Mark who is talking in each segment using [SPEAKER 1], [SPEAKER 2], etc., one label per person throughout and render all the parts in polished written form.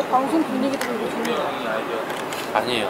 [SPEAKER 1] 방송 분위기도 좋네요.
[SPEAKER 2] 아니에요.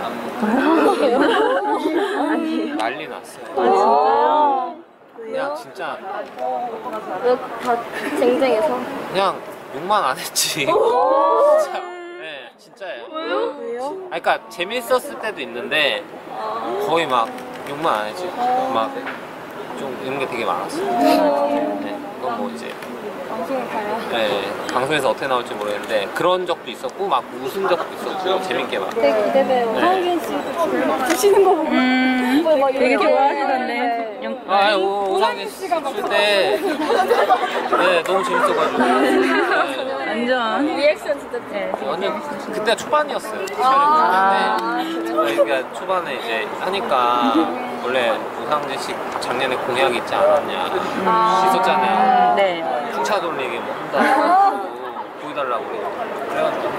[SPEAKER 2] 난리 났어요.
[SPEAKER 1] 진짜요?
[SPEAKER 2] 그냥 진짜
[SPEAKER 1] 왜 다 쟁쟁해서?
[SPEAKER 2] 그냥 욕만 안 했지. 진짜, 네, 진짜예요.
[SPEAKER 1] 왜요?
[SPEAKER 2] 그러니까 재밌었을 때도 있는데 거의 막 욕만 안 했지. 막 좀 이런 게 되게 많았어요. 네, 그건 뭐 이제
[SPEAKER 1] 방송을 봐야.
[SPEAKER 2] 네, 방송에서 어떻게 나올지 모르겠는데 그런 적도 있었고 막 웃은 적도 있었고 재밌게 막.
[SPEAKER 1] 되게 기대돼요.
[SPEAKER 2] 네.
[SPEAKER 1] 오상진 씨도 드시는 거 보고. 막
[SPEAKER 3] 되게
[SPEAKER 1] 이렇게
[SPEAKER 3] 좋아하시던데.
[SPEAKER 2] 아, 오상진 씨 줄 때, 네, 너무 재밌어가지고. 네.
[SPEAKER 3] 완전.
[SPEAKER 1] 리액션 진짜 네.
[SPEAKER 2] 완전 그때 초반이었어요.
[SPEAKER 1] 아,
[SPEAKER 2] 그러니까 초반에 이제 하니까 원래 오상진 씨 작년에 공약이 있지 않았냐 있었잖아요.
[SPEAKER 3] 네.
[SPEAKER 2] 풍차 돌리기 뭐 한다고 보여달라고 그래가지고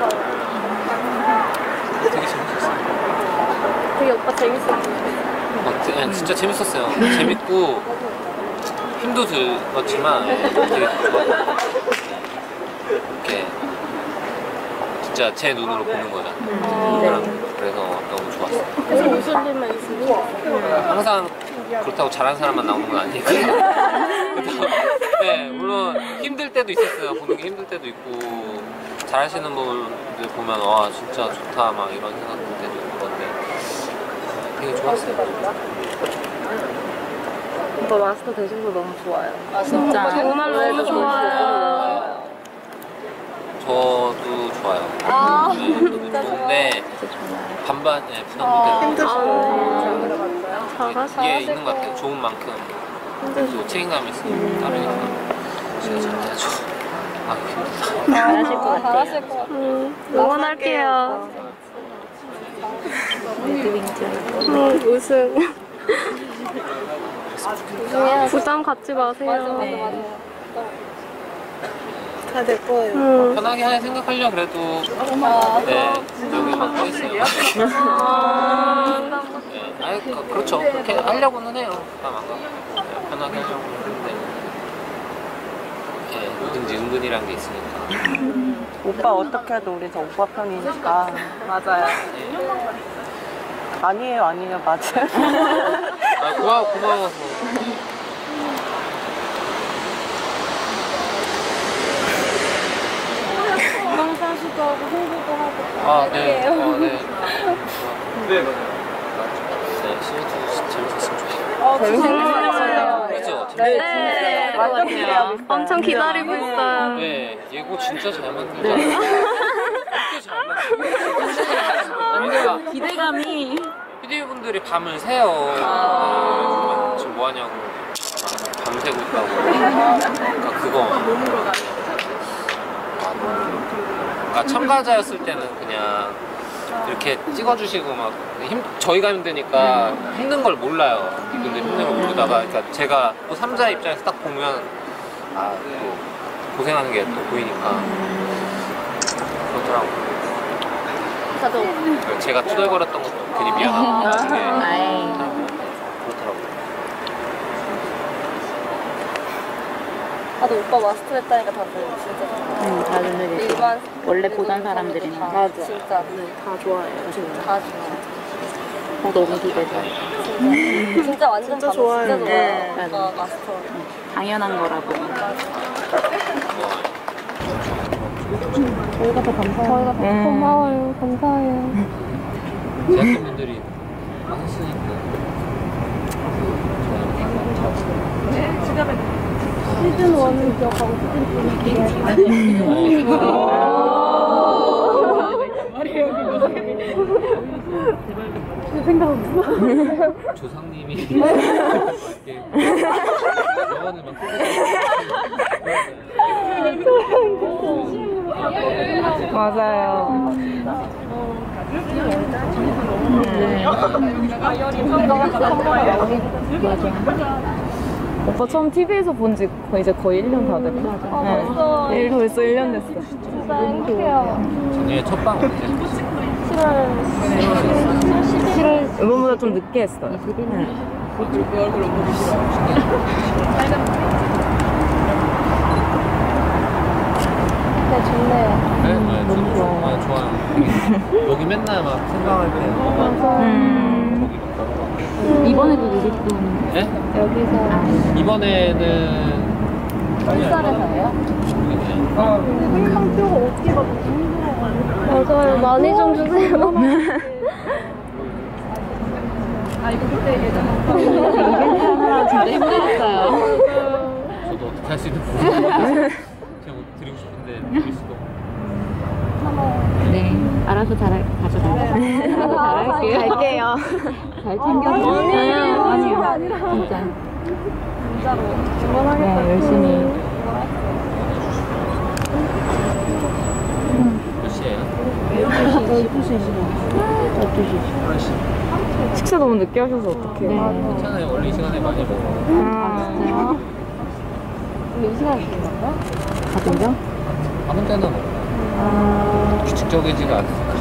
[SPEAKER 2] 되게 재밌었어요.
[SPEAKER 1] 되게 오빠 재밌었어요.
[SPEAKER 2] 진짜 재밌었어요. 재밌고 힘도 들었지만 되게 좋았고 이렇게 진짜 제 눈으로 보는 거잖아요. 그래서 너무 좋았어요.
[SPEAKER 1] 그래서 웃을 일만 있으면
[SPEAKER 2] 항상 그렇다고 잘하는 사람만 나오는 건 아니니까. 네, 물론 힘들 때도 있었어요. 보는 게 힘들 때도 있고 잘하시는 분들 보면 와 진짜 좋다 막 이런 생각 들 때도 있고 그런데 되게 좋았어요.
[SPEAKER 3] 오빠 마스터 되신 거 너무 좋아요. 진짜.
[SPEAKER 1] 정말 너무 좋아요.
[SPEAKER 2] 저도 좋아요. 네, 저도 좋은데 반반 네, 부담도 되고 이게 있는 것 같아요. 좋은 만큼 또 책임감이 있으니까 따르니까 제가 잘해야죠. 아 힘들다.
[SPEAKER 3] 잘하실 것 같아요.
[SPEAKER 1] 잘하실 것 같아요. 응원할게요. 우승. 부담 갖지 마세요. 다 될 거예요.
[SPEAKER 2] 편하게 생각하려고 그래도 네, 여기만 떠 있어요. 네, 아니 그렇죠. 그렇게 하려고는 해요. 부담 안 갖고 네, 편하게 하려고 하는데 네, 뭐든지 은근이란 게 있으니까.
[SPEAKER 4] 오빠 어떻게 해도 우리 저 오빠 편이니까.
[SPEAKER 3] 맞아요.
[SPEAKER 4] 아니에요, 아니에요, 맞아요.
[SPEAKER 2] 아, 고마워서.
[SPEAKER 1] 영상사수도 하고 홍보도 하고.
[SPEAKER 2] 아, 네. 네. 네, 시즌2 재밌었으면 좋겠어요.
[SPEAKER 1] 재밌었어요.
[SPEAKER 2] 그죠?
[SPEAKER 1] 네.
[SPEAKER 4] 완전 기대하고 있어요.
[SPEAKER 1] 엄청 기다리고 있어요.
[SPEAKER 2] 네, 예고 진짜 잘 만들잖아요. 이렇게 잘 만들잖아요.
[SPEAKER 3] 기대감이.
[SPEAKER 2] PD분들이 밤을 새요. 지금 뭐 하냐고. 밤새고 있다고. 그러니까 그거. 그러니까 참가자였을 때는 그냥 이렇게 찍어주시고 막 저희가 힘드니까 힘든 걸 몰라요. 이분들 힘든 걸 모르다가 그러니까 제가 또 3자 입장에서 딱 보면 아, 또 고생하는 게 또 보이니까 그렇더라고요. 제가 투덜거렸던 것도 괜히 미안하고 그렇더라고요.
[SPEAKER 1] 나도 오빠 마스터 했다니까 다들 진짜
[SPEAKER 3] 다들 되게
[SPEAKER 1] 일반
[SPEAKER 3] 원래 보던 사람들이나.
[SPEAKER 1] 다 진짜
[SPEAKER 3] 다 좋아해요.
[SPEAKER 1] 다 좋아.
[SPEAKER 3] 너무 기대돼.
[SPEAKER 1] 진짜 완전 진짜 좋아요. 진짜 좋아요.
[SPEAKER 3] 네.
[SPEAKER 1] 마스터.
[SPEAKER 3] 당연한 거라고.
[SPEAKER 1] 저희가 더 고마워요. 감사해요.
[SPEAKER 2] 제작진분들이 하셨으니까
[SPEAKER 1] 시즌 1은 기억하고 시즌 2는 생각은
[SPEAKER 2] 조상님이 이렇게 영원을 막
[SPEAKER 3] 맞아요.
[SPEAKER 5] 오빠 처음 TV에서 본 지 이제 거의 1년 다 됐고.
[SPEAKER 1] 벌써
[SPEAKER 5] 벌써 1년 됐어.
[SPEAKER 1] 진짜 행복해요.
[SPEAKER 2] 전에 첫방 언제?
[SPEAKER 1] 7월
[SPEAKER 5] 이번보다 좀 늦게 했어요.
[SPEAKER 1] 네, 좋네요.
[SPEAKER 2] 네, 좋아요. 여기 맨날 막 생각할 때
[SPEAKER 3] 이번에도 누구 또
[SPEAKER 2] 네? 여기서 이번에는
[SPEAKER 1] 햇살에서예요?
[SPEAKER 2] 그냥
[SPEAKER 1] 맞아요. 많이 좀 주세요.
[SPEAKER 3] 이벤트 하느라 진짜 힘들었어요.
[SPEAKER 2] 저도 어떻게 할 수 있는지 모르겠어요. 제가 뭐 드리고 싶은데 드릴 수도 없고.
[SPEAKER 3] 네, 알아서 가져갈게요. 알아서 잘할게요.
[SPEAKER 1] 갈게요.
[SPEAKER 3] 잘 챙겨주세요. 아니요. 진짜. 네, 열심히.
[SPEAKER 2] 몇 시에요? 12시.
[SPEAKER 5] 식사 너무 늦게 하셔서 어떡해요?
[SPEAKER 3] 네.
[SPEAKER 2] 괜찮아요. 원래 이 시간에 많이 먹어요.
[SPEAKER 3] 진짜요? 가족이요?
[SPEAKER 2] 아, 혼자는 없고. 규칙적이지가 않으니까.